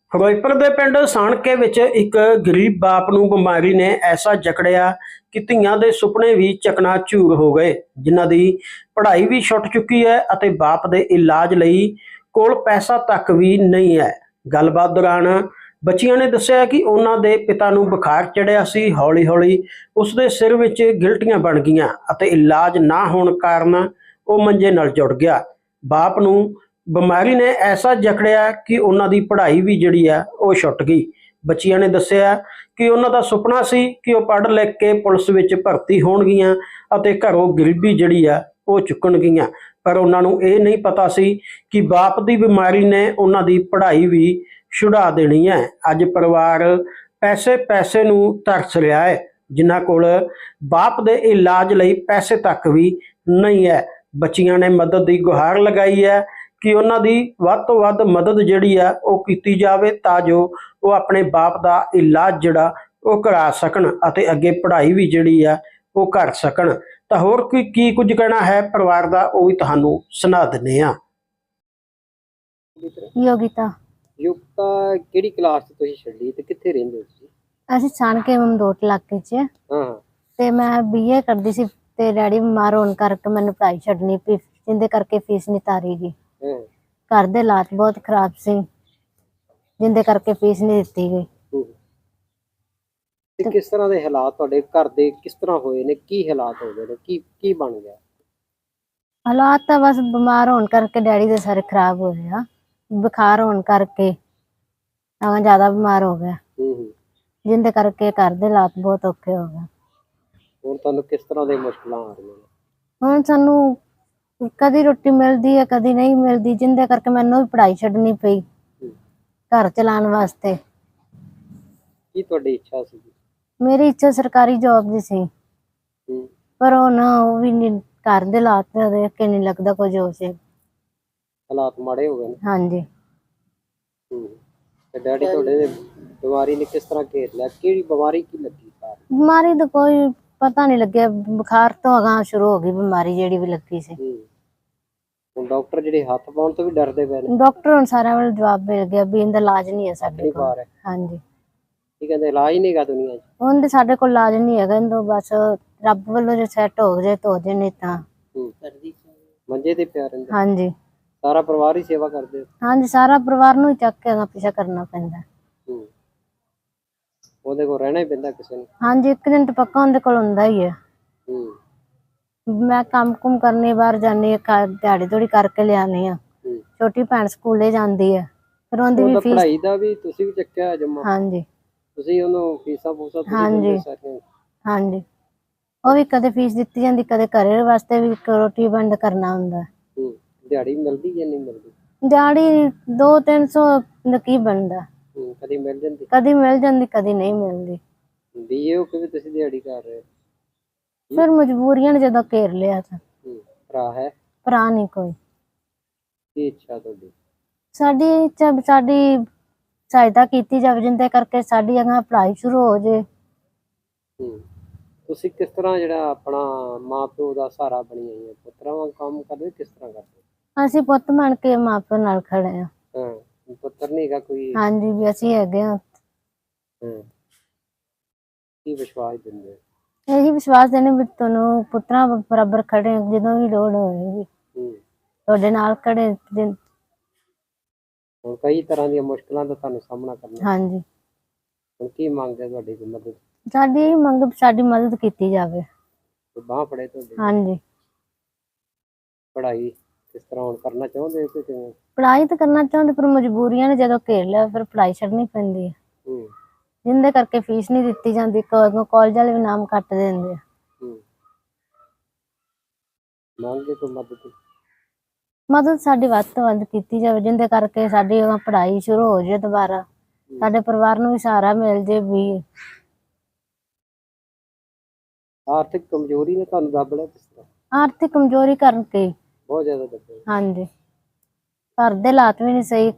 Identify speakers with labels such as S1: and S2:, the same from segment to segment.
S1: ਫਿਰੋਜ਼ਪੁਰ ਦੇ ਪਿੰਡ ਸਾਣਕੇ ਵਿੱਚ ਇੱਕ ਗਰੀਬ ਬਾਪ ਨੂੰ ਬਿਮਾਰੀ ਨੇ ਐਸਾ ਜਕੜਿਆ ਕਿ ਧੀਆਂ ਦੇ ਸੁਪਨੇ ਵੀ ਚਕਨਾਚੂਰ ਹੋ ਗਏ, ਜਿਨ੍ਹਾਂ ਦੀ ਪੜ੍ਹਾਈ ਵੀ ਛੁੱਟ ਚੁੱਕੀ ਹੈ ਅਤੇ ਬਾਪ ਦੇ ਇਲਾਜ ਲਈ ਕੋਲ ਪੈਸਾ ਤੱਕ ਵੀ ਨਹੀਂ ਹੈ। ਗੱਲਬਾਤ ਦੌਰਾਨ ਬੱਚੀਆਂ ਨੇ ਦੱਸਿਆ ਕਿ ਉਹਨਾਂ ਦੇ ਪਿਤਾ ਨੂੰ ਬੁਖਾਰ ਚੜਿਆ ਸੀ। ਹੌਲੀ-ਹੌਲੀ ਉਸ ਦੇ ਸਿਰ ਵਿੱਚ ਗਿਲਟੀਆਂ ਬਣ ਗਈਆਂ ਅਤੇ ਇਲਾਜ ਨਾ ਹੋਣ ਕਾਰਨ ਉਹ ਮੰਜੇ ਨਾਲ ਜੁੜ ਗਿਆ। ਬਾਪ ਨੂੰ ਬਿਮਾਰੀ ਨੇ ਐਸਾ ਜਕੜਿਆ ਕਿ ਉਹਨਾਂ ਦੀ ਪੜ੍ਹਾਈ ਵੀ ਜਿਹੜੀ ਆ ਉਹ ਛੁੱਟ ਗਈ। ਬੱਚੀਆਂ ਨੇ ਦੱਸਿਆ ਕਿ ਉਹਨਾਂ ਦਾ ਸੁਪਨਾ ਸੀ ਕਿ ਉਹ ਪੜ੍ਹ ਲਿਖ ਕੇ ਪੁਲਿਸ ਵਿੱਚ ਭਰਤੀ ਹੋਣਗੀਆਂ ਅਤੇ ਘਰੋਂ ਗਰੀਬੀ ਜਿਹੜੀ ਆ ਉਹ ਚੁੱਕਣਗੀਆਂ, ਪਰ ਉਹਨਾਂ ਨੂੰ ਇਹ ਨਹੀਂ ਪਤਾ ਸੀ ਕਿ ਬਾਪ ਦੀ ਬਿਮਾਰੀ ਨੇ ਉਹਨਾਂ ਦੀ ਪੜ੍ਹਾਈ ਵੀ ਛੁਡਾ ਦੇਣੀ ਹੈ। ਅੱਜ ਪਰਿਵਾਰ ਪੈਸੇ ਨੂੰ ਤਰਸ ਰਿਹਾ ਹੈ, ਜਿਨ੍ਹਾਂ ਕੋਲ ਬਾਪ ਦੇ ਇਲਾਜ ਲਈ ਪੈਸੇ ਤੱਕ ਵੀ ਨਹੀਂ ਹੈ। ਬੱਚੀਆਂ ਨੇ ਮਦਦ ਦੀ ਗੁਹਾਰ ਲਗਾਈ ਹੈ ਕਿ ਉਹਨਾਂ ਦੀ ਵੱਧ ਤੋਂ ਵੱਧ ਮਦਦ ਜਿਹੜੀ ਆ ਉਹ ਕੀਤੀ ਜਾਵੇ, ਤਾਂ ਜੋ ਉਹ ਆਪਣੇ ਬਾਪ ਦਾ ਇਲਾਜ ਜਿਹੜਾ ਉਹ ਕਰਾ ਸਕਣ ਅਤੇ ਅੱਗੇ ਪੜ੍ਹਾਈ ਵੀ ਜਿਹੜੀ ਆ ਉਹ ਕਰ ਸਕਣ। ਤਾਂ ਹੋਰ ਕੀ ਕੁਝ ਕਹਿਣਾ ਹੈ ਪਰਿਵਾਰ ਦਾ, ਉਹ ਵੀ ਤੁਹਾਨੂੰ ਸੁਣਾ ਦਿੰਦੇ ਆ।
S2: ਯੋਗਿਤਾ ਕਿਹੜੀ ਕਲਾਸ ਚ ਤੁਸੀਂ ਛੱਡੀ ਤੇ ਕਿੱਥੇ ਰਹਿੰਦੇ ਹੋ ਤੁਸੀਂ?
S3: ਅਸੀਂ ਸਾਣਕੇ ਮਮਦੋਟ ਇਲਾਕੇ 'ਚ ਤੇ ਮੈਂ BA ਕਰਦੀ ਸੀ ਤੇ ਡੈਡੀ ਬਿਮਾਰ ਹੋਣ ਕਰਕੇ ਮੈਨੂੰ ਪੜ੍ਹਾਈ ਛੱਡਣੀ ਪਈ, ਜਿੰਦੇ ਕਰਕੇ ਫੀਸ ਨਹੀਂ ਤਾਰੀ ਗਈ। ਘਰ ਦੇ ਹਾਲਾਤ ਬਹੁਤ ਖਰਾਬ ਸੀ, ਜਿੰਦੇ ਕਰਕੇ ਫੀਸ ਨਹੀਂ ਦਿੱਤੀ ਗਈ।
S2: ਤੇ ਕਿਸ ਤਰ੍ਹਾਂ ਦੇ ਹਾਲਾਤ ਤੁਹਾਡੇ ਘਰ ਦੇ ਕਿਸ ਤਰ੍ਹਾਂ ਹੋਏ ਨੇ? ਕੀ ਹਾਲਾਤ ਹੋ ਗਏ ਨੇ? ਕੀ ਬਣ ਗਿਆ?
S3: ਹਾਲਾਤ ਤਾਂ ਬਸ ਬਿਮਾਰ ਹੋਣ ਕਰਕੇ ਡੈਡੀ ਦੇ ਸਾਰੇ ਖਰਾਬ ਹੋ ਰਿਹਾ, ਬੁਖਾਰ ਹੋਣ ਕਰਕੇ ਤਾਂ ਜ਼ਿਆਦਾ ਬਿਮਾਰ ਹੋ ਗਿਆ, ਜਿੰਦੇ ਕਰਕੇ ਘਰ ਦੇ ਹਾਲਾਤ ਬਹੁਤ ਔਖੇ ਹੋ ਗਏ।
S2: ਹੁਣ ਤੁਹਾਨੂੰ ਕਿਸ ਤਰ੍ਹਾਂ ਦੇ ਮੁਸ਼ਕਲਾਂ ਆ ਰਹੀਆਂ ਨੇ?
S3: ਹੁਣ ਸਾਨੂੰ ਕਦੀ ਰੋਟੀ ਮਿਲਦੀ ਹੈ, ਕਦੀ ਨਹੀਂ ਮਿਲਦੀ, ਜਿੰਦੇ ਕਰਕੇ ਮੈਨੂੰ ਵੀ ਪੜ੍ਹਾਈ ਛੱਡਣੀ ਪਈ ਘਰ ਚਲਾਉਣ ਵਾਸਤੇ।
S2: ਕੀ ਤੁਹਾਡੀ ਇੱਛਾ ਸੀ?
S3: ਮੇਰੀ ਇੱਛਾ ਸਰਕਾਰੀ ਜੌਬ ਦੀ ਸੀ, ਪਰ ਹੁਣ ਉਹ ਵੀ ਨਹੀਂ, ਘਰ ਦੇ ਹਾਲਾਤ ਦੇਖ ਕੇ ਨਹੀਂ ਲੱਗਦਾ ਕੁਝ ਹੋ ਸੀ।
S2: ਹਾਲਾਤ ਮਾੜੇ ਹੋ ਗਏ ਨੇ?
S3: ਹਾਂਜੀ।
S2: ਤੇ ਡੈਡੀ ਤੁਹਾਡੇ ਦੇ ਬਿਮਾਰੀ ਨੇ ਕਿਸ ਤਰ੍ਹਾਂ ਘੇਰ ਲਿਆ? ਕਿਹੜੀ ਬਿਮਾਰੀ ਕੀ ਲੱਗੀ?
S3: ਬਿਮਾਰੀ ਦਾ ਕੋਈ ਪਤਾ ਨਹੀਂ ਲੱਗਿਆ, ਬੁਖਾਰ ਤੋਂ ਅਗਾਂਹ ਸ਼ੁਰੂ ਹੋ ਗਈ ਬਿਮਾਰੀ ਜਿਹੜੀ ਵੀ ਲੱਗੀ ਸੀ।
S2: ਹੁਣ ਡਾਕਟਰ ਜਿਹੜੇ ਹੱਥ ਪਾਉਣ ਤੋਂ ਵੀ ਡਰਦੇ ਪਏ ਨੇ?
S3: ਡਾਕਟਰ ਹੁਣ ਸਾਰਿਆਂ ਵੱਲ ਜਵਾਬ ਮਿਲ ਗਿਆ ਵੀ ਇਹਦਾ ਇਲਾਜ ਨਹੀਂ ਹੈ ਸਾਡੇ ਕੋਲ। ਹਾਂਜੀ।
S2: ਕੀ ਕਹਿੰਦੇ? ਇਲਾਜ ਨਹੀਂ ਹੈਗਾ ਦੁਨੀਆ 'ਚ?
S3: ਹੁਣ ਤੇ ਸਾਡੇ ਕੋਲ ਇਲਾਜ ਨਹੀਂ ਹੈਗਾ, ਇਹਨੂੰ ਬਸ ਰੱਬ ਵੱਲੋਂ ਜੇ ਸੈੱਟ ਹੋ ਜਾਏ ਤਾਂ ਹੋ ਜਾਏ, ਨਹੀਂ ਤਾਂ
S2: ਮੰਜੇ ਤੇ ਪਿਆ ਰਹਿੰਦਾ?
S3: ਹਾਂਜੀ।
S2: ਸਾਰਾ ਪਰਿਵਾਰ ਹੀ ਸੇਵਾ ਕਰਦੇ?
S3: ਹਾਂਜੀ, ਸਾਰਾ ਪਰਿਵਾਰ ਨੂੰ ਹੀ ਚੱਕ ਕੇ ਅਗਾਂਹ ਪਿੱਛਾ ਕਰਨਾ ਪੈਂਦਾ।
S2: ਉਹਦੇ ਕੋਲ ਰਹਿਣਾ ਹੀ ਪੈਂਦਾ ਕਿਸੇ ਨੂੰ?
S3: ਹਾਂਜੀ, ਇੱਕ ਦਿਨ ਤਾਂ ਪੱਕਾ ਉਹਦੇ ਕੋਲ ਹੁੰਦਾ ਹੀ ਹੈ। ਮੈਂ ਕੰਮ ਕੁਮ ਕਰਨੀ, ਬਾਹਰ ਜਾਂਦੀ ਹਾਂ, ਦਿਹਾੜੀ ਥੋੜੀ ਕਰਕੇ ਲਿਆਉਂਦੀ ਹਾਂ। ਛੋਟੀ ਭੈਣ ਸਕੂਲੇ ਜਾਂਦੀ ਹੈ, ਫਿਰ ਉਹਦੀ ਵੀ ਫੀਸ।
S2: ਪੜ੍ਹਾਈ ਦਾ ਵੀ ਤੁਸੀਂ ਵੀ ਚੱਕਿਆ ਜਮਾ?
S3: ਹਾਂਜੀ।
S2: ਤੁਸੀਂ ਉਹਨੂੰ ਫੀਸਾਂ ਫੂਸਾਂ?
S3: ਹਾਂਜੀ ਹਾਂਜੀ, ਉਹ ਵੀ ਕਦੇ ਫੀਸ ਦਿੱਤੀ ਜਾਂਦੀ, ਕਦੇ ਘਰੇ ਵਾਸਤੇ ਵੀ ਰੋਟੀ ਬੰਦ ਕਰਨਾ ਹੁੰਦਾ।
S2: ਦਿਹਾੜੀ ਮਿਲਦੀ ਜਾਂ ਨਹੀਂ ਮਿਲਦੀ?
S3: ਦਿਹਾੜੀ 200-300 ਦਾ ਕੀ ਬਣਦਾ?
S2: ਕਦੀ ਮਿਲ ਜਾਂਦੀ?
S3: ਕਦੀ ਮਿਲ ਜਾਂਦੀ, ਕਦੀ ਨਹੀਂ ਮਿਲਦੀ।
S2: BA ਹੋ ਕੇ ਵੀ ਤੁਸੀਂ ਦਿਹਾੜੀ ਕਰ ਰਹੇ?
S3: ਫਿਰ ਮਜਬੂਰੀਆਂ ਨੇ ਜਦੋਂ ਘੇਰ ਲਿਆ ਤਾਂ।
S2: ਭਰਾ ਹੈ?
S3: ਭਰਾ ਨਹੀਂ ਕੋਈ।
S2: ਕੀ ਇੱਛਾ ਤੁਹਾਡੀ?
S3: ਸਾਡੀ ਇੱਛਾ ਸਾਡੀ ਸਹਾਇਤਾ ਕੀਤੀ ਜਾਵੇ, ਜਿੰਦੇ ਕਰਕੇ ਸਾਡੀ ਅਗਾਂਹ ਪੜ੍ਹਾਈ ਸ਼ੁਰੂ ਹੋ ਜੇ।
S2: ਤੁਸੀਂ ਕਿਸ ਤਰ੍ਹਾਂ ਜਿਹੜਾ ਆਪਣਾ ਮਾਂ ਪਿਓ ਦਾ ਸਹਾਰਾ ਬਣੀ ਆਈ ਹੈ? ਪੁੱਤਰਾਂ ਵਾਂਗ ਕੰਮ ਕਰਦੇ ਕਿਸ ਤਰ੍ਹਾਂ ਕਰਦੇ?
S3: ਅਸੀਂ ਪੁੱਤ ਬਣ ਕੇ ਮਾਂ ਪਿਓ ਨਾਲ ਖੜੇ ਆ।
S2: ਪੁੱਤਰ ਨਹੀਂ ਹੈਗਾ ਕੋਈ?
S3: ਹਾਂਜੀ, ਵੀ ਅਸੀਂ ਹੈਗੇ ਆ।
S2: ਕੀ ਵਿਸ਼ਵਾਸ ਦਿੰਦੇ?
S3: ਇਹੀ ਵਿਸ਼ਵਾਸ ਦੇਣੇ ਵੀ ਤੁਹਾਨੂੰ ਪੁੱਤਰਾਂ ਬਰਾਬਰ ਖੜੇ, ਜਦੋਂ ਵੀ ਲੋੜ ਹੋਏਗੀ ਤੁਹਾਡੇ ਨਾਲ ਖੜੇ।
S2: ਹੁਣ ਕਈ ਤਰ੍ਹਾਂ ਦੀਆਂ ਮੁਸ਼ਕਲਾਂ ਦਾ ਤੁਹਾਨੂੰ ਸਾਹਮਣਾ ਕਰਨਾ।
S3: ਹਾਂਜੀ।
S2: ਹੁਣ ਕੀ ਮੰਗਦੇ ਤੁਹਾਡੀ ਮਦਦ?
S3: ਸਾਡੀ ਇਹ ਮੰਗ, ਸਾਡੀ ਮਦਦ ਕੀਤੀ ਜਾਵੇ।
S2: ਬਾਂਹ ਫੜੇ ਤੁਹਾਡੀ? ਹਾਂਜੀ। ਪੜ੍ਹਾਈ ਕਿਸ ਤਰ੍ਹਾਂ ਹੁਣ ਕਰਨਾ ਚਾਹੁੰਦੇ ਹੋ? ਕਿਵੇਂ?
S3: ਪੜ੍ਹਾਈ ਤਾਂ ਕਰਨਾ ਚਾਹੁੰਦੇ, ਪਰ ਮਜਬੂਰੀਆਂ ਨੇ ਜਦੋਂ ਘੇਰ ਲਿਆ ਫਿਰ ਪੜ੍ਹਾਈ ਛੱਡਣੀ ਪੈਂਦੀ ਹੈ, ਜਿੰਦੇ ਕਰਕੇ ਫੀਸ ਨਹੀਂ ਦਿੱਤੀ ਜਾਂਦੀ। ਕਾਲਜ ਵਾਲੇ ਵੀ ਨਾਮ ਕੱਟ ਦਿੰਦੇ ਆ।
S2: ਮੰਗਦੇ ਕੋਈ ਮਦਦ?
S3: ਮਦਦ ਸਾਡੀ ਵੱਧ ਤੋਂ ਵੱਧ ਕੀਤੀ ਜਾਵੇ, ਜਿੰਦੇ ਕਰਕੇ ਸਾਡੀ ਪੜ੍ਹਾਈ ਸ਼ੁਰੂ ਹੋ ਜਾਏ ਦੁਬਾਰਾ, ਸਾਡੇ ਪਰਿਵਾਰ ਨੂੰ ਵੀ ਸਹਾਰਾ ਮਿਲ ਜੇ। ਵੀ
S2: ਆਰਥਿਕ ਕਮਜ਼ੋਰੀ ਨੇ ਤੁਹਾਨੂੰ ਦੱਬ ਲਿਆ? ਕਿਸ ਤਰ੍ਹਾਂ?
S3: ਆਰਥਿਕ ਕਮਜ਼ੋਰੀ ਕਰਕੇ
S2: ਬਹੁਤ ਜ਼ਿਆਦਾ ਦੱਬਿਆ? ਹਾਂਜੀ।
S3: ਘਰ ਦੇ ਹਾਲਾਤ ਵੀ ਨਹੀਂ ਸਹੀ।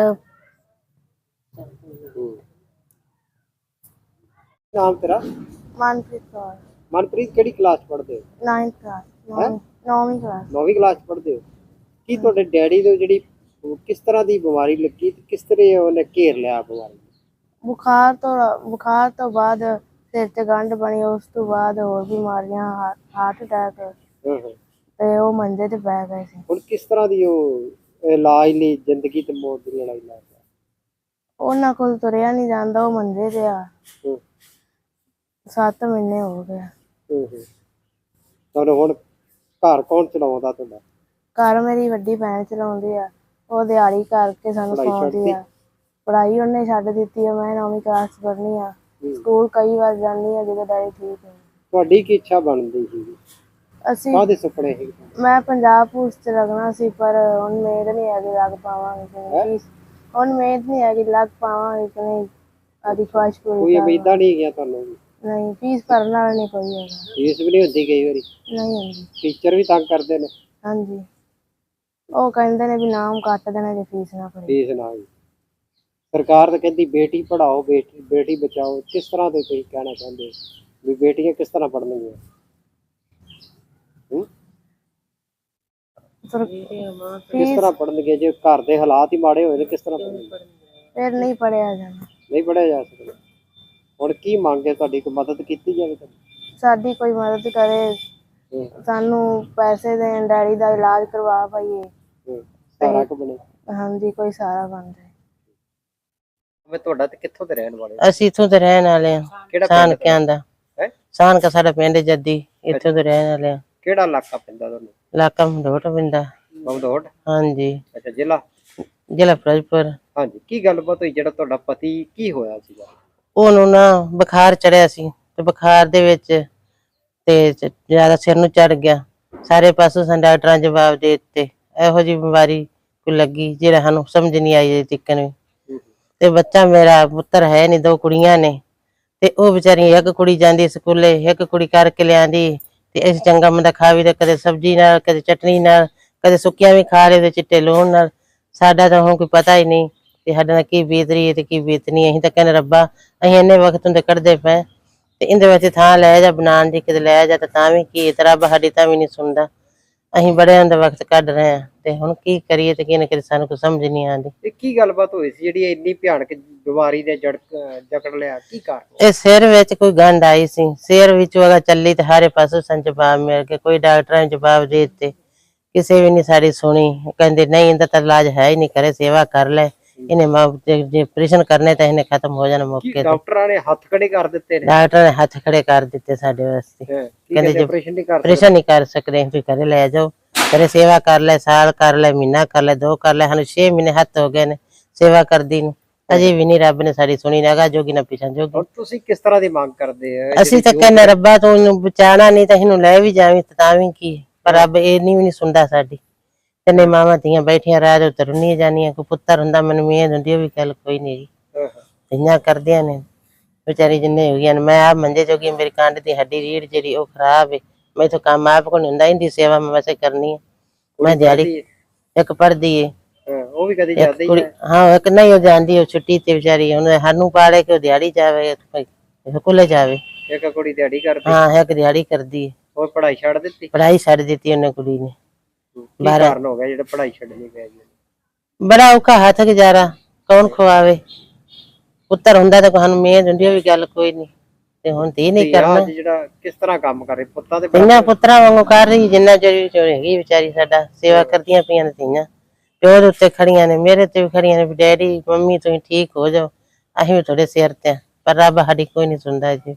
S2: ਨਾਮ ਤੇਰਾ?
S3: ਮਨਪ੍ਰੀਤ ਕੌਰ।
S2: ਮਨਪ੍ਰੀਤ ਕਿਹੜੀ ਕਲਾਸ ਪੜ੍ਹਦੇ ਹੋ?
S3: 9ਵੀਂ ਕਲਾਸ।
S2: 9ਵੀਂ ਕਲਾਸ ਪੜ੍ਹਦੇ ਹੋ? ਕੀ ਤੁਹਾਡੇ ਡੈਡੀ ਦੀ ਜਿਹੜੀ ਉਹ ਕਿਸ ਤਰ੍ਹਾਂ ਦੀ ਬਿਮਾਰੀ ਲੱਗੀ ਤੇ ਕਿਸ ਤਰ੍ਹਾਂ ਉਹਨੇ ਘੇਰ ਲਿਆ ਬਿਮਾਰੀ?
S3: ਬੁਖਾਰ ਤੋਂ ਬਾਅਦ ਸਿਰ 'ਚ ਗੰਢ ਬਣੀ, ਉਸ ਤੋਂ ਬਾਅਦ ਹੋਰ ਬਿਮਾਰੀਆਂ, ਹਾਰਟ ਅਟੈਕ,
S2: ਹਾਂ ਹਾਂ।
S3: ਤੇ ਉਹ ਮੰਜੇ ਤੇ ਪੈ ਗਏ ਸੀ।
S2: ਹੁਣ ਕਿਸ ਤਰ੍ਹਾਂ ਦੀ ਉਹ ਇਲਾਜ ਲਈ ਜ਼ਿੰਦਗੀ ਤੇ ਮੌਤ ਦੀ ਲੜਾਈ ਲੜ ਰਿਹਾ?
S3: ਉਹਨਾਂ ਕੋਲ ਤੁਰਿਆ ਨਹੀਂ ਜਾਂਦਾ, ਉਹ ਮੰਜੇ ਤੇ ਆ।
S2: ਹੂੰ
S3: 7 ਮਹੀਨੇ ਹੋ ਗਏ।
S2: ਹੂੰ ਹੂੰ। ਤੁਹਾਨੂੰ ਹੁਣ ਘਰ ਕੌਣ ਚਲਾਉਂਦਾ ਤੁਹਾਡਾ?
S3: ਘਰ ਮੇਰੀ ਵੱਡੀ ਭੈਣ ਚਲਾਉਂਦੀ ਆ, ਉਹ ਦਿਹਾੜੀ ਕਰਕੇ ਸਾਨੂੰ
S2: ਪੜ੍ਹਾਈ
S3: ਖਵਾਉਂਦੀ
S2: ਛੱਡਤੀ?
S3: ਆ। ਪੜ੍ਹਾਈ ਉਹਨੇ ਛੱਡ ਦਿੱਤੀ ਆ, ਮੈਂ 9ਵੀਂ ਕਲਾਸ 'ਚ ਪੜ੍ਹਨੀ ਆ। ਸਕੂਲ ਕਈ ਵਾਰ ਜਾਂਦੀ ਆ ਜਦੋਂ ਡੈਡੀ ਠੀਕ ਹੈ।
S2: ਤੁਹਾਡੀ ਕੀ ਇੱਛਾ ਬਣਦੀ ਸੀ?
S3: ਅਸੀਂ
S2: ਕਾਹਦੇ ਸੁਪਨੇ ਸੀ?
S3: ਮੈਂ ਪੰਜਾਬ ਪੁਲਿਸ 'ਚ ਲੱਗਣਾ ਸੀ, ਪਰ ਹੁਣ ਮਿਹਨਤ ਨਹੀਂ ਹੈਗੀ, ਲੱਗ ਪਾਵਾਂਗੇ ਕਿ ਨਹੀਂ। ਹੁਣ ਮਿਹਨਤ ਨਹੀਂ ਹੈਗੀ, ਲੱਗ ਪਾਵਾਂਗੇ ਕਿ ਨਹੀਂ, ਆਦੀ ਖੁਆਇਸ਼ ਪੂਰੀ
S2: ਕੋਈ
S3: ਕਰ
S2: ਉਮੀਦਾਂ ਨਹੀਂ ਹੈਗੀਆਂ ਤੁਹਾਨੂੰ?
S3: ਨਹੀਂ, ਫੀਸ ਭਰਨ ਵਾਲਾ ਨਹੀਂ ਕੋਈ ਹੈਗਾ।
S2: ਫੀਸ ਵੀ ਨਹੀਂ ਹੁੰਦੀ ਕਈ ਵਾਰੀ?
S3: ਨਹੀਂ ਹੁੰਦੀ।
S2: ਟੀਚਰ ਵੀ ਤੰਗ ਕਰਦੇ ਨੇ?
S3: ਹਾਂਜੀ, ਉਹ ਕਹਿੰਦੇ ਨੇ ਵੀ ਨਾਮ ਕੱਟ ਦੇਣਾ ਜੇ ਫੀਸ ਨਾ ਭਰੀ।
S2: ਫੀਸ ਨਾ ਹੋਈ। ਸਰਕਾਰ ਤਾਂ ਕਹਿੰਦੀ ਬੇਟੀ ਪੜਾਓ, ਬੇਟੀ ਬਚਾਓ। ਕਿਸ ਤਰ੍ਹਾਂ ਦੇ ਤੁਸੀਂ ਕਹਿਣਾ ਚਾਹੁੰਦੇ ਹੋ ਵੀ ਬੇਟੀਆਂ ਕਿਸ ਤਰ੍ਹਾਂ ਪੜ੍ਹਨਗੀਆਂ? ਕਿਸ ਤਰ੍ਹਾਂ ਪੜ੍ਹਨਗੀਆਂ ਜੇ ਘਰ ਦੇ ਹਾਲਾਤ ਹੀ ਮਾੜੇ ਹੋਏ ਨੇ? ਕਿਸ ਤਰ੍ਹਾਂ ਪੜ੍ਹਨਗੀਆਂ?
S3: ਫਿਰ ਨਹੀਂ ਪੜਿਆ ਜਾਣਾ।
S2: ਨਹੀਂ ਪੜ੍ਹਿਆ ਜਾ ਸਕਦਾ। ਹੁਣ ਕੀ ਮੰਗ ਹੈ ਤੁਹਾਡੀ? ਕੋਈ ਮਦਦ ਕੀਤੀ ਜਾਵੇ ਤੁਹਾਡੀ?
S3: ਸਾਡੀ ਕੋਈ ਮਦਦ ਕਰੇ, ਸਾਨੂੰ ਪੈਸੇ ਦੇਣ, ਡੈਡੀ ਦਾ ਇਲਾਜ ਕਰਵਾ ਪਾਈਏ।
S2: ਸਾਰਾ ਕੁ ਬਣੇ।
S3: ਹਾਂਜੀ, ਕੋਈ ਸਾਰਾ ਬਣ ਜਾਏ।
S2: ਮੈਂ ਤੁਹਾਡਾ ਤੇ ਕਿੱਥੋਂ ਦੇ ਰਹਿਣ ਵਾਲੇ?
S4: ਅਸੀਂ ਇੱਥੋਂ ਦੇ ਰਹਿਣ ਵਾਲੇ ਹਾਂ।
S2: ਕਿਹੜਾ
S4: ਸਾਨਕਿਆਂ ਦਾ।
S2: ਹੈ?
S4: ਸਾਨਕਾ ਸਾਡਾ ਪਿੰਡ ਜੱਦੀ, ਇੱਥੋਂ ਦੇ ਰਹਿਣ ਵਾਲੇ ਹਾਂ।
S2: ਕਿਹੜਾ ਇਲਾਕਾ ਪੈਂਦਾ ਤੁਹਾਨੂੰ?
S4: ਇਲਾਕਾ ਮੰਡੋਟ ਪੈਂਦਾ।
S2: ਮਮਦੋਟ?
S4: ਹਾਂਜੀ।
S2: ਅੱਛਾ, ਜ਼ਿਲ੍ਹਾ?
S4: ਜ਼ਿਲ੍ਹਾ ਫਿਰੋਜ਼ਪੁਰ।
S2: ਹਾਂਜੀ। ਕੀ ਗੱਲਬਾਤ ਹੋਈ? ਜਿਹੜਾ ਤੁਹਾਡਾ ਪਤੀ ਕੀ ਹੋਇਆ ਸੀਗਾ?
S4: ਉਹਨੂੰ ਨਾ ਬੁਖਾਰ ਚੜਿਆ ਸੀ, ਤੇ ਬੁਖਾਰ ਦੇ ਵਿੱਚ ਤੇ ਜ਼ਿਆਦਾ ਸਿਰ ਨੂੰ ਚੜ ਗਿਆ। ਸਾਰੇ ਪਾਸੋਂ ਸਾਨੂੰ ਡਾਕਟਰਾਂ ਜਵਾਬ ਦੇ ਦਿੱਤੇ, ਇਹੋ ਜਿਹੀ ਬਿਮਾਰੀ ਕੋਈ ਲੱਗੀ ਜਿਹੜਾ ਸਾਨੂੰ ਸਮਝ ਨਹੀਂ ਆਈ ਅਜੇ ਤੀਕਰ ਵੀ। ਤੇ ਬੱਚਾ ਮੇਰਾ ਪੁੱਤਰ ਹੈ ਨੀ, 2 ਕੁੜੀਆਂ ਨੇ, ਤੇ ਉਹ ਵਿਚਾਰੀ, ਇੱਕ ਕੁੜੀ ਜਾਂਦੀ ਸਕੂਲੇ, ਇੱਕ ਕੁੜੀ ਕਰਕੇ ਲਿਆਂਦੀ। ਤੇ ਅਸੀਂ ਚੰਗਾ ਮੰਦਾ ਖਾ ਵੀ, ਤੇ ਕਦੇ ਸਬਜ਼ੀ ਨਾਲ, ਕਦੇ ਚਟਨੀ ਨਾਲ, ਕਦੇ ਸੁੱਕੀਆਂ ਵੀ ਖਾ ਲਏ ਤੇ ਚਿੱਟੇ ਲੂਣ ਨਾਲ। ਸਾਡਾ ਤਾਂ ਹੁਣ ਕੋਈ ਪਤਾ ਹੀ ਨਹੀਂ ਤੇ ਸਾਡੇ ਨਾਲ ਕੀ ਬੀਤ ਰਹੀ ਹੈ ਤੇ ਕੀ ਬੀਤਨੀ। ਅਸੀਂ ਤਾਂ ਕਹਿੰਦੇ ਰੱਬਾ, ਅਸੀਂ ਇੰਨੇ ਵਕਤ ਹੁੰਦੇ ਕੱਢਦੇ ਪਏ ਤੇ ਇਹਦੇ ਵਿੱਚ ਥਾਂ ਲੈ ਜਾ ਬਣਾਉਣ ਦੀ, ਕਿਤੇ ਲੈ ਜਾ ਤਾਂ ਵੀ ਕੀ, ਤੇ ਰੱਬ ਸਾਡੀ ਤਾਂ ਵੀ ਨਹੀਂ ਸੁਣਦਾ। ਅਸੀਂ ਬੜੇ ਹੁੰਦੇ ਵਕਤ ਕੱਢ ਰਹੇ ਹਾਂ ਤੇ ਹੁਣ ਕੀ ਕਰੀਏ ਤੇ ਕੀ ਨਾ ਕਰੀਏ, ਸਾਨੂੰ ਕੋਈ ਸਮਝ ਨਹੀਂ ਆਉਂਦੀ।
S2: ਇਹ ਕੀ ਗੱਲਬਾਤ ਹੋਈ ਸੀ ਜਿਹੜੀ ਇੰਨੀ ਭਿਆਨਕ ਬਿਮਾਰੀ ਨੇ ਜਕੜ ਲਿਆ? ਕੀ ਕਾਰਨ?
S4: ਇਹ ਸਿਰ ਵਿੱਚ ਕੋਈ ਗੰਢ ਆਈ ਸੀ, ਸਿਰ ਵਿੱਚ ਉਹਦਾ ਚੱਲੀ ਤੇ ਸਾਰੇ ਪਾਸੋਂ ਸਾਨੂੰ ਜਵਾਬ ਮਿਲ ਗਏ। ਕੋਈ ਡਾਕਟਰਾਂ ਨੇ ਜਵਾਬ ਦੇ ਦਿੱਤੇ, ਕਿਸੇ ਵੀ ਨਹੀਂ ਸਾਡੀ ਸੁਣੀ। ਕਹਿੰਦੇ ਨਹੀਂ, ਇਹਦਾ ਤਾਂ ਇਲਾਜ ਹੈ ਹੀ ਨਹੀਂ, ਕਰੇ ਸੇਵਾ ਕਰ ਲੈ, ਇਹਨੇ ਜੇ ਆਪਰੇਸ਼ਨ ਕਰਨੇ ਤਾਂ ਇਹਨੇ ਖਤਮ ਹੋ ਜਾਣਾ ਮੌਕੇ ਤੇ।
S2: ਡਾਕਟਰਾਂ ਨੇ ਹੱਥ ਖੜੇ ਕਰ ਦਿੱਤੇ ਨੇ?
S4: ਡਾਕਟਰ ਨੇ ਹੱਥ ਖੜੇ ਕਰ ਦਿੱਤੇ ਸਾਡੇ ਵਾਸਤੇ। ਕਹਿੰਦੇ ਜੇ
S2: ਆਪਰੇਸ਼ਨ ਨਹੀਂ ਕਰ
S4: ਆਪਰੇਸ਼ਨ ਨਹੀਂ ਕਰ ਸਕਦੇ, ਤੁਸੀਂ ਘਰੇ ਲੈ ਜਾਓ, ਘਰੇ ਸੇਵਾ ਕਰ ਲੈ, ਸਾਲ ਕਰ ਲੈ, ਮਹੀਨਾ ਕਰ ਲੈ, 2 ਕਰ ਲੈ। ਸਾਨੂੰ 6 ਮਹੀਨੇ ਹੱਥ ਹੋ ਗਏ ਨੇ ਸੇਵਾ ਕਰਦੀ ਨੂੰ, ਅਜੇ ਵੀ ਨਹੀਂ ਰੱਬ ਨੇ ਸਾਡੀ ਸੁਣੀ, ਨਾ ਅਗਾ ਜੋਗੀ ਨਾ ਪਿਛਾਂ ਜੋਗੀ।
S2: ਹੁਣ ਤੁਸੀਂ ਕਿਸ ਤਰ੍ਹਾਂ ਦੀ ਮੰਗ ਕਰਦੇ ਹੋ?
S4: ਅਸੀਂ ਤਾਂ ਕਹਿੰਦੇ ਰੱਬਾ ਤੂੰ ਇਹਨੂੰ ਬਚਾਣਾ ਨਹੀਂ ਤਾਂ ਇਹਨੂੰ ਲੈ ਵੀ ਜਾਵੀਂ ਤਾਂ ਵੀ ਕੀ, ਪਰ ਰੱਬ ਇਹ ਵੀ ਨਹੀਂ ਸੁਣਦਾ ਸਾਡੀ। ਤਿੰਨੇ ਮਾਵਾਂ ਧੀਆਂ ਬੈਠੀਆਂ ਰਾਜ ਉੱਤੇ ਰੁੰਨੀਆਂ ਜਾਂਦੀਆਂ। ਕੋਈ ਪੁੱਤਰ ਹੁੰਦਾ ਮੈਨੂੰ ਮਿਹਨਤ ਹੁੰਦੀ, ਉਹ ਵੀ ਗੱਲ ਕੋਈ ਨਹੀਂ ਜੀ। ਧੀਆਂ ਕਰਦੀਆਂ ਨੇ ਵਿਚਾਰੀ ਜਿੰਨੇ ਹੋ ਗਈਆਂ ਨੇ। ਮੈਂ ਆਪ ਮੰਜੇ ਜੋਗੀ, ਮੇਰੀ ਕੰਡ ਦੀ ਹੱਡੀ ਰੀੜ ਜਿਹੜੀ ਉਹ ਖਰਾਬ ਹੈ, ਮੈਥੋਂ ਕੰਮ ਆਪ ਕੋਲ ਹੁੰਦਾ, ਇਹਦੀ ਸੇਵਾ ਮੈਂ ਵੈਸੇ ਕਰਨੀ ਹੈ। ਮੈਂ ਦਿਹਾੜੀ, ਇੱਕ ਪੜ੍ਹਦੀ ਏ,
S2: ਉਹ ਵੀ ਕਦੀ ਜਾਂਦੀ ਹੈ?
S4: ਹਾਂ, ਇੱਕ ਨਹੀਂ ਉਹ ਜਾਂਦੀ, ਉਹ ਛੁੱਟੀ ਤੇ ਵਿਚਾਰੀ, ਉਹਨੇ ਸਾਨੂੰ ਪਾੜੇ ਕਿ ਉਹ ਦਿਹਾੜੀ ਜਾਵੇ, ਸਕੂਲੇ ਜਾਵੇ।
S2: ਇੱਕ ਕੁੜੀ ਦਿਹਾੜੀ ਕਰਦੀ?
S4: ਹਾਂ, ਇੱਕ ਦਿਹਾੜੀ ਕਰਦੀ ਹੈ।
S2: ਉਹ ਪੜ੍ਹਾਈ ਛੱਡ ਦਿੱਤੀ?
S4: ਪੜ੍ਹਾਈ ਛੱਡ ਦਿੱਤੀ ਉਹਨੇ ਕੁੜੀ ਨੇ।
S2: ਕੀ ਕਾਰਨ ਹੋ ਗਿਆ ਜਿਹੜਾ ਪੜ੍ਹਾਈ ਛੱਡਣੀ ਪੈ ਗਈ?
S4: ਬੜਾ ਔਖਾ ਹੱਥ ਗੁਜ਼ਾਰਾ, ਕੌਣ ਖਵਾਵੇ। ਪੁੱਤਰ ਹੁੰਦਾ ਤਾਂ ਸਾਨੂੰ ਮਿਹਨਤ ਹੁੰਦੀ, ਉਹ ਵੀ ਗੱਲ ਕੋਈ ਨਹੀਂ, ਤੇ ਹੁਣ ਧੀ ਨਹੀਂ ਕਰਨਾ।
S2: ਜਿਹੜਾ ਕਿਸ ਤਰ੍ਹਾਂ ਕੰਮ ਕਰੇ? ਪੁੱਤਾਂ ਦੇ
S4: ਧੀਆਂ ਪੁੱਤਰਾਂ ਵਾਂਗੂ ਕਰ ਰਹੀ, ਜਿੰਨਾ ਚਿਰ ਹੈਗੀ ਵਿਚਾਰੀ ਸਾਡਾ ਸੇਵਾ ਕਰਦੀਆਂ ਪਈਆਂ ਨੇ। ਧੀਆਂ ਪਿਓ ਦੇ ਉੱਤੇ ਖੜੀਆਂ ਨੇ, ਮੇਰੇ ਤੇ ਵੀ ਖੜੀਆਂ ਨੇ ਵੀ ਡੈਡੀ ਮੰਮੀ ਤੁਸੀਂ ਠੀਕ ਹੋ ਜਾਓ, ਅਸੀਂ ਵੀ ਤੁਹਾਡੇ ਸਿਰ ਤੇ। ਪਰ ਰੱਬ ਸਾਡੀ ਕੋਈ ਨਹੀਂ ਸੁਣਦਾ ਜੀ।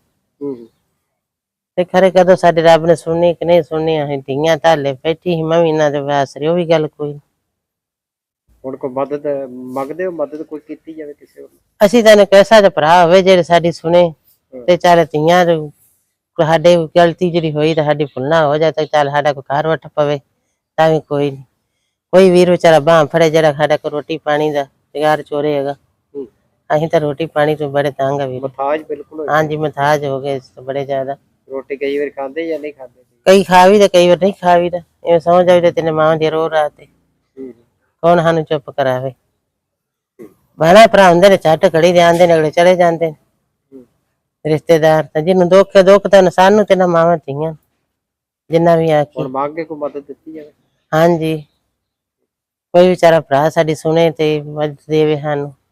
S4: ਤੇ ਖਰੇ ਕਦੋਂ ਸਾਡੇ ਰੱਬ ਨੇ ਸੁਣਨੀ ਕਿ ਨਹੀਂ ਸੁਣਨੀ, ਅਸੀਂ ਧੀਆਂ ਧਾਲੇ ਬੈਠੀ ਸੀ, ਮੈਂ ਵੀ ਇਹਨਾਂ ਦੇ ਵਾਸਰੇ, ਉਹ ਵੀ ਗੱਲ ਕੋਈ ਨਹੀਂ।
S2: ਹੁਣ ਕੋਈ ਮਦਦ ਮੰਗਦੇ ਹੋ? ਮਦਦ ਕੋਈ ਕੀਤੀ ਜਾਵੇ ਕਿਸੇ ਹੋਰ?
S4: ਅਸੀਂ ਤਾਂ ਕੈਸਾ ਦਾ ਭਰਾ ਹੋਵੇ ਜਿਹੜੇ ਸਾਡੀ ਸੁਣੇ ਤੇ ਚੱਲ ਧੀਆਂ ਸਾਡੇ ਗਲਤੀ ਜਿਹੜੀ ਹੋਈ ਤਾਂ ਸਾਡੀ ਭੁੱਲਣਾ ਹੋ ਜਾਏ ਤਾਂ ਚੱਲ ਸਾਡਾ ਕੋਈ ਘਰ ਵੱਟ ਪਵੇ ਤਾਂ ਵੀ ਕੋਈ ਨਹੀਂ। ਕੋਈ ਵੀਰ ਵਿਚਾਰਾ ਬਾਂਹ ਫੜੇ ਜਿਹੜਾ ਸਾਡਾ ਕੋਈ ਰੋਟੀ ਪਾਣੀ ਦਾ ਜੁਗਾੜ ਚੋਰੇ ਹੈਗਾ। ਅਸੀਂ ਤਾਂ ਰੋਟੀ ਪਾਣੀ ਤੋਂ ਬੜੇ ਤੰਗ ਆ ਵੀਰ।
S2: ਮਥਾਜ ਬਿਲਕੁਲ? ਹਾਂਜੀ,
S4: ਮਥਾਜ ਹੋ ਗਏ ਬੜੇ ਜ਼ਿਆਦਾ।
S2: ਰੋਟੀ ਕਈ ਵਾਰ ਖਾਂਦੇ ਜਾਂ ਨਹੀਂ ਖਾਂਦੇ?
S4: ਕਈ ਖਾ ਵੀ ਤੇ ਕਈ ਵਾਰ ਨਹੀਂ ਖਾ ਵੀ। ਇਵੇਂ ਸਮਝ ਆਈ ਤੇ ਤੇਨੇ ਮਾਂ ਦੀ ਰੋ ਰਾਤ ਤੇ ਕੌਣ ਸਾਨੂੰ ਚੁੱਪ ਕਰਾਵੇ। ਭੈਣਾਂ ਭਰਾ ਹੁੰਦੇ ਨੇ, ਝੱਟ ਘੜੀ ਦੇ ਆਉਂਦੇ ਨੇ, ਅਗਲੇ ਚਲੇ ਜਾਂਦੇ ਨੇ ਰਿਸ਼ਤੇਦਾਰ। ਤਾਂ ਜਿਹਨੂੰ ਦੁੱਖ ਤਾਂ ਸਾਨੂੰ ਤੇ ਨਾ ਮਾਵਾਂ ਧੀਆਂ ਜਿੰਨਾ ਵੀ ਆਖੀ।
S2: ਹੁਣ ਮੰਗ ਕੇ ਕੋਈ ਮਦਦ ਦਿੱਤੀ ਜਾਵੇ?
S4: ਹਾਂਜੀ, ਕੋਈ ਵਿਚਾਰਾ ਭਰਾ ਸਾਡੀ ਸੁਣੇ ਤੇ ਮਦਦ ਦੇਵੇ ਸਾਨੂੰ।